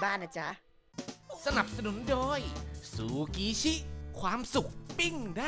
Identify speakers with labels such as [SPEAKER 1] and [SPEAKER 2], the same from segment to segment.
[SPEAKER 1] บ้านนะจ๊ะ
[SPEAKER 2] สนับสนุนโดยซูกิชิ ความสุขปิ้งได้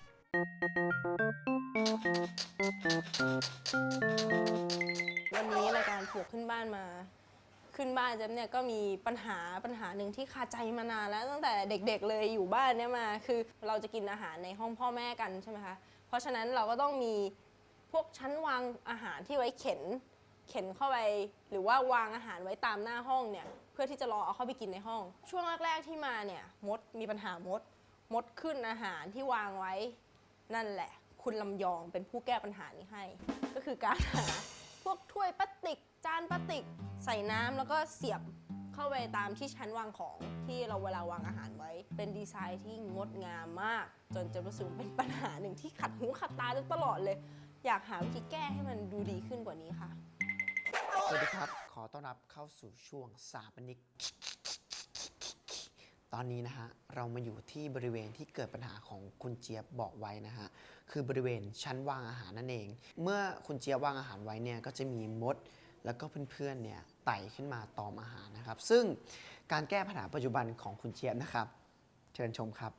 [SPEAKER 3] วันนี้รายการปลูกขึ้นบ้านมาขึ้นบ้านเจ๊เนี่ยก็มีปัญหาหนึ่งที่คาใจมานานแล้วตั้งแต่เด็กๆเลยอยู่บ้านเนี่ยมาคือเราจะกินอาหารในห้องพ่อแม่กันใช่ไหมคะเพราะฉะนั้นเราก็ต้องมีพวกชั้นวางอาหารที่ไว้เข็นเข้าไปหรือว่าวางอาหารไว้ตามหน้าห้องเนี่ยเพื่อที่จะรอเอาเข้าไปกินในห้องช่วงแรกๆที่มาเนี่ยมีปัญหามดขึ้นอาหารที่วางไว้นั่นแหละคุณลำยองเป็นผู้แก้ปัญหานี้ให้ก็คือการหาพวกถ้วยพลาสติกจานพลาสติกใส่น้ำแล้วก็เสียบเข้าไปตามที่ชั้นวางของที่เราเวลาวางอาหารไว้เป็นดีไซน์ที่งดงามมากจนจะรู้สึกเป็นปัญหาหนึ่งที่ขัดหูขัดตาตลอดเลยอยากหาวิธีแก้ให้มันดูดีขึ้นกว่านี้ค่ะ
[SPEAKER 1] สวัสดีครับขอต้อนรับเข้าสู่ช่วงสถาปนิกตอนนี้นะฮะเรามาอยู่ที่บริเวณที่เกิดปัญหาของคุณเจี๊ยบบอกไว้นะฮะคือบริเวณชั้นวางอาหารนั่นเองเมื่อคุณเจี๊ยบวางอาหารไว้เนี่ยก็จะมีมดแล้วก็เพื่อนๆเนี่ยไต่ขึ้นมาตอมอาหารนะครับซึ่งการแก้ปัญหาปัจจุบันของคุณเจี๊ยบนะครับเชิญชมครับ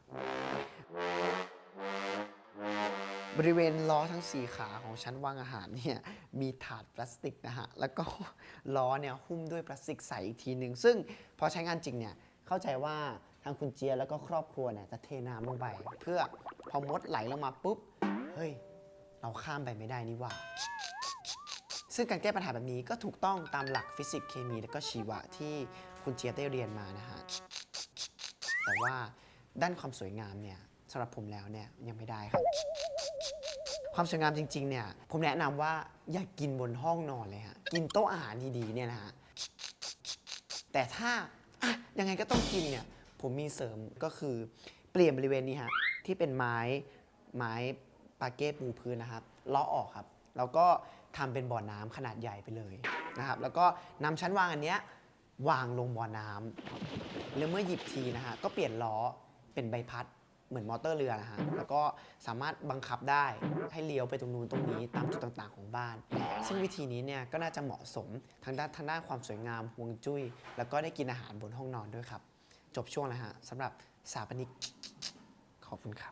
[SPEAKER 1] บริเวณล้อทั้ง4ขาของชั้นวางอาหารเนี่ยมีถาดพลาสติกนะฮะแล้วก็ล้อเนี่ยหุ้มด้วยพลาสติกใสอีกทีหนึ่งซึ่งพอใช้งานจริงเนี่ยเข้าใจว่าทางคุณเจียแล้วก็ครอบครัวเนี่ยจะเทน้ำลงไปเพื่อพอมดไหลลงมาปุ๊บเฮ้ยเราข้ามไปไม่ได้นี่หว่าซึ่งการแก้ปัญหาแบบนี้ก็ถูกต้องตามหลักฟิสิกส์เคมีและก็ชีวะที่คุณเจียได้เรียนมานะฮะแต่ว่าด้านความสวยงามเนี่ยสำหรับผมแล้วเนี่ยยังไม่ได้ครับความสวยงามจริงๆเนี่ยผมแนะนำว่าอย่ากินบนห้องนอนเลยฮะกินโต๊ะอาหารดีๆเนี่ยนะฮะแต่ถ้ายังไงก็ต้องกินเนี่ยผมมีเสริมก็คือเปลี่ยนบริเวณนี้ฮะที่เป็นไม้ปาเก้ปูพื้นนะครับเลาะออกครับแล้วก็ทำเป็นบ่อน้ำขนาดใหญ่ไปเลยนะครับแล้วก็นำชั้นวางอันเนี้ยวางลงบ่อน้ำแล้วเมื่อหยิบทีนะฮะก็เปลี่ยนล้อเป็นใบพัดเหมือนมอเตอร์เรือนะฮะแล้วก็สามารถบังคับได้ให้เลี้ยวไปตรงนู้นตรงนี้ตามจุดต่างๆของบ้านซึ่งวิธีนี้เนี่ยก็น่าจะเหมาะสมทางด้านความสวยงามฮวงจุ้ยแล้วก็ได้กินอาหารบนห้องนอนด้วยครับจบช่วงแล้วฮะสำหรับสถาปนิกขอบคุณครับ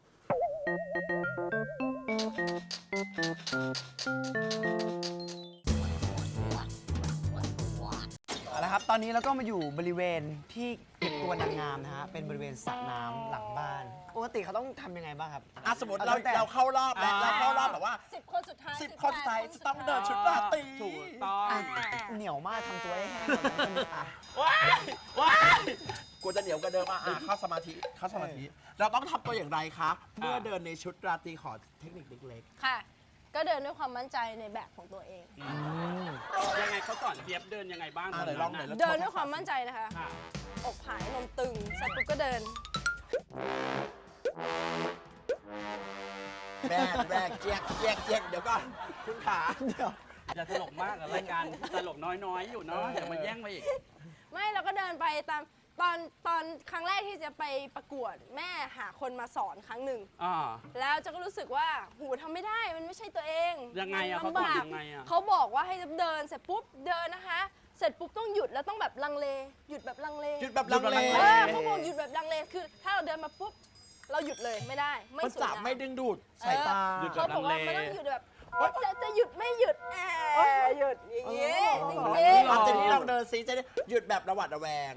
[SPEAKER 1] เอาละครับตอนนี้เราก็มาอยู่บริเวณที่เก็บตัวนางงามนะฮะเป็นบริเวณสระน้ำหลังบ้านปกติเขาต้องทำยังไงบ้างครับ
[SPEAKER 4] สมมติเราเข้ารอบแล้วเราเข้ารอบแบบว่า
[SPEAKER 3] 10 คนสุดท้าย
[SPEAKER 4] 10 คนสุดท้ายจะต้องเดินชุดราตรี
[SPEAKER 5] ถูกต้อง
[SPEAKER 1] เหนียวมากทำตัวให้แห้งอ่ะ
[SPEAKER 4] ว้ายกูจะเหนียวกว่าเดิมเข้าสมาธิเราต้องทำตัวอย่างไรคะเมื่อเดินในชุดราตรีขอเทคนิคเล็ก
[SPEAKER 3] ค่ะก็เดินด้วยความมั่นใจในแบบของตัวเอง
[SPEAKER 5] ยังไงเขาสอนเจี๊ยบเดินยังไงบ้าง
[SPEAKER 4] ไหนลองไหน
[SPEAKER 3] เดินด้วยความมั่นใจนะคะอกผายนมตึงเสร็จปุ๊บก็เดิน
[SPEAKER 4] แบกเจี๊ยกเดี๋ยวก่อนคุณขาเดี๋ยว
[SPEAKER 5] อย่าตลกมากรายการตลกน้อยๆอยู่เนาะอย่ามาแย่งไปอีก
[SPEAKER 3] ไม่เราก็เดินไปตามตอนครั้งแรกที่จะไปประกวดแม่หาคนมาสอนครั้งหนึ่งแล้วจะก็รู้สึกว่าหูทำไม่ได้มันไม่ใช่ตัวเอง
[SPEAKER 5] ยังไงอะเขา
[SPEAKER 3] ลำบากเขาบอกว่าให้เดินเสร็จปุ๊บเดินนะคะเสร็จปุ๊บต้องหยุดแล้วต้องแบบลังเลหยุดแบบลังเลเขาบอกหยุดแบบลังเลคือถ้าเราเดินมาปุ๊บเราหยุดเลยไม่ได้ไม่สวยงาม
[SPEAKER 4] ไม่ดึงดูดสายตา
[SPEAKER 3] เขาบอกว่ามันต้องหยุดแบบจะหยุดไม่หยุดหยุดอย่างนี้จริง
[SPEAKER 4] ๆเจนนี่ลองเดินซิจะได้หยุดแบบระหวัดระแวง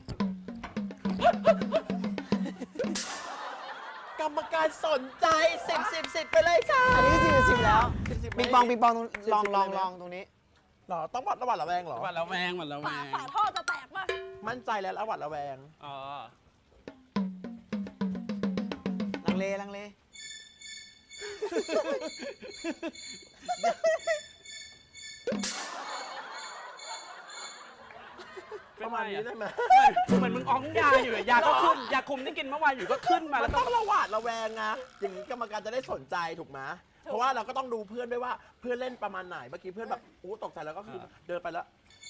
[SPEAKER 4] กรรมการสนใจ10 ไปเลยค่ะ
[SPEAKER 1] อันนี้10แล้วปิงปองลองตรงนี้
[SPEAKER 4] หรอต้องระหวัดระแวงหรอ
[SPEAKER 5] ระหวัดระแวง
[SPEAKER 3] ฝาท่อจะแตกป่ะ
[SPEAKER 4] มั่นใจแล้วระหวัดระแวง
[SPEAKER 1] ลังเล
[SPEAKER 4] ประมาณนี้ได้ไหม
[SPEAKER 5] เหมือนมึงอ้องยาอยู่ยาก็ขึ้นยาคุมที่กินเมื่อวานอยู่ก็ขึ้นมา
[SPEAKER 4] แล้วต้องระหวัดระแวงนะอย่างนี้กรรมการจะได้สนใจถูกไหมเพราะว่าเราก็ต้องดูเพื่อนด้วยว่าเพื่อนเล่นประมาณไหนเมื่อกี้เพื่อนแบบตกใจแล้วก็คือเดินไปแล้ว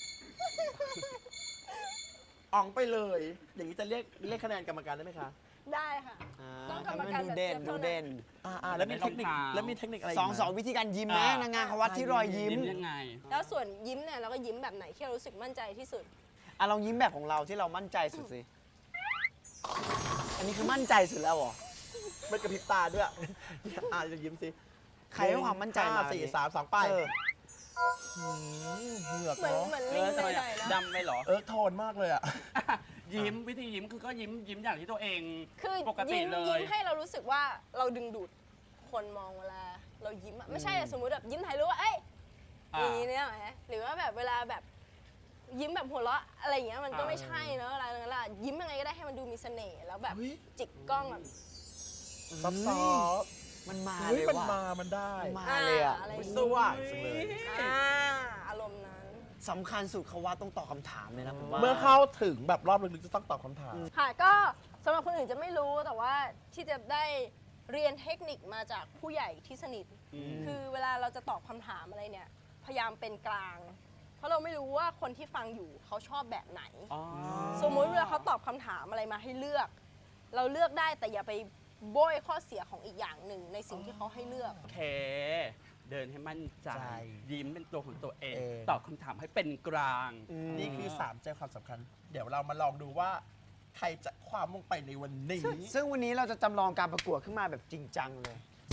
[SPEAKER 4] อ่องไปเลยอย่างนี้จะเรียกคะแนนกรรมการได้ไหมคะ
[SPEAKER 3] ได้ค่ะ
[SPEAKER 1] ต้องกรรมการดูเด่น
[SPEAKER 4] แล้วมีเทคนิคอะไร
[SPEAKER 1] สองวิธีการยิ้มนะนางงามเขาวัดที่รอยยิ้ม
[SPEAKER 5] ยังไง
[SPEAKER 3] แล้วส่วนยิ้มเนี่ยเราก็ยิ้มแบบไหนที่เรารู้สึกมั่นใจที่สุด
[SPEAKER 1] ลองยิ้มแบบของเราที่เรามั่นใจสุดสิ อันนี้คือมั่นใจสุดแล้วเหรอ
[SPEAKER 4] ไม่กระพริบตาด้วยจะยิ้มสิ
[SPEAKER 1] ใครให้ความมั่นใจมา
[SPEAKER 4] 5 4 3 2 ไป
[SPEAKER 1] เออ
[SPEAKER 4] เหงือก
[SPEAKER 3] เหมือน
[SPEAKER 4] เนาะ
[SPEAKER 3] เหมือนลิง
[SPEAKER 5] ทำไม
[SPEAKER 3] หน่อยๆนะ
[SPEAKER 5] ดำไปเหรอ
[SPEAKER 4] โทนมากเลยอะ
[SPEAKER 5] ยิ้มวิธียิ้มคือก็ยิ้มอย่างที่ตัวเอง
[SPEAKER 3] คือ
[SPEAKER 5] ปกติ
[SPEAKER 3] ยิ้ม
[SPEAKER 5] เลย
[SPEAKER 3] ยิ้มให้เรารู้สึกว่าเราดึงดูดคนมองเวลาเรายิ้มอะไม่ใช่สมมุติแบบยิ้มถ่ายรูปว่าเอ้ยอย่างนี้เนี่ยไหมหรือว่าแบบเวลาแบบยิ้มแบบหัวเราะอะไรอย่างเงี้ยมันก็ไม่ใช่เนอะเวลานั้นล่ะยิ้มยังไงก็ได้ให้มันดูมีเสน่ห์แล้วแบบ
[SPEAKER 4] เฮ้ย
[SPEAKER 3] จิกกล้องแบบ
[SPEAKER 4] ซอฟต์
[SPEAKER 1] มันมา
[SPEAKER 4] ๆเฮ้
[SPEAKER 1] เลย ย
[SPEAKER 4] มัน
[SPEAKER 1] ว่ะ
[SPEAKER 4] มันได้
[SPEAKER 1] มันมาเลยอ่ะ
[SPEAKER 3] อะไรอย่าง
[SPEAKER 4] สู้
[SPEAKER 3] งี้
[SPEAKER 4] อ่ะจังเลย
[SPEAKER 3] อารมณ์นั้น
[SPEAKER 1] สำคัญสุดเขาว่าต้องตอบคำถามเลยนะผมว่า
[SPEAKER 4] เมื่อเข้าถึงแบบรอบลึกๆจะต้องตอบคำถาม
[SPEAKER 3] ค่ะก็สำหรับคนอื่นจะไม่รู้แต่ว่าที่จะได้เรียนเทคนิคมาจากผู้ใหญ่ที่สนิท คือเวลาเราจะตอบคำถามอะไรเนี่ยพยายามเป็นกลาง เพราะเราไม่รู้ว่าคนที่ฟังอยู่เขาชอบแบบไหน
[SPEAKER 5] อ๋อ
[SPEAKER 3] สมมุติเวลาเขาตอบคำถามอะไรมาให้เลือก เราเลือกได้แต่อย่าไปโบยข้อเสียของอีกอย่างหนึ่งในสิ่งที่เขาให้เลือก
[SPEAKER 5] โอเค เดินให้มั่นใจ
[SPEAKER 4] ใจ
[SPEAKER 5] ยิ้มเป็นตัวของตัวเอง
[SPEAKER 4] เอง
[SPEAKER 5] ตอบคำถามให้เป็นกลาง
[SPEAKER 4] นี่คือ 3 ใจความสำคัญ เดี๋ยวเรามาลองดูว่า ใครจะคว้ามงไปในวันนี้
[SPEAKER 1] ซึ่งวันนี้เราจะจำลองการประกวดขึ้นมาแบบจริงจังเลย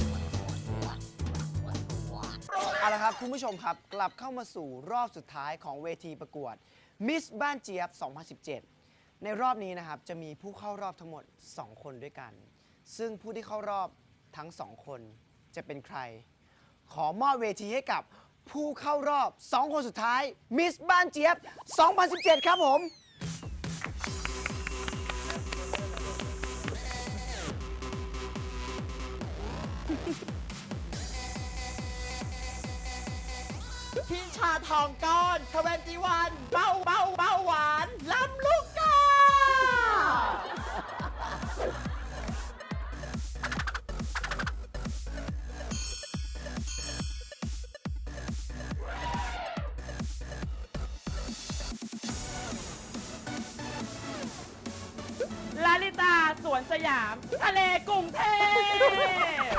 [SPEAKER 1] เอาละครับคุณผู้ชมครับ กลับเข้ามาสู่รอบสุดท้ายของเวทีประกวด Miss บ้านเจี๊ยบ 2017 ในรอบนี้นะครับ จะมีผู้เข้ารอบทั้งหมด 2 คนด้วยกัน ซึ่งผู้ที่เข้ารอบทั้ง 2 คนจะเป็นใคร ขอมอบเวทีให้กับผู้เข้ารอบ 2 คนสุดท้าย Miss บ้านเจี๊ยบ 2017 ครับผม
[SPEAKER 4] พี่ชาทองก้อน21เบาหวานล้ำลูกกา
[SPEAKER 5] ลาลิตาสวนสยาม ทะเลกรุงเทพ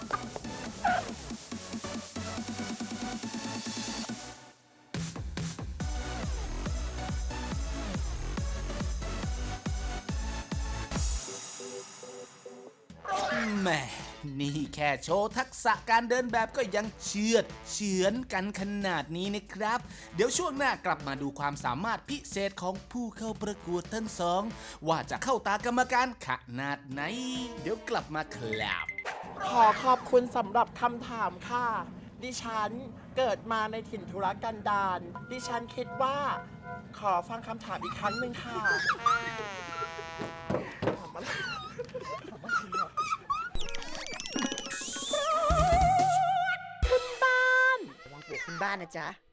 [SPEAKER 2] แหม่นี่แค่โชว์ทักษะการเดินแบบก็ยังเฉือนกันขนาดนี้นะครับ เดี๋ยวช่วงหน้ากลับมาดูความสามารถพิเศษของผู้เข้าประกวดทั้งสอง ว่าจะเข้าตากรรมการขนาดไหน เดี๋ยวกลับมาครับ
[SPEAKER 4] ขอขอบคุณสำหรับคำถามค่ะ ดิฉันเกิดมาในถิ่นธุรกันดารดิฉันคิดว่า ขอฟังคำถามอีกครั้งหนึ่งค่ะ
[SPEAKER 1] ระวังปวกขึ้นบ้านนะจ๊ะ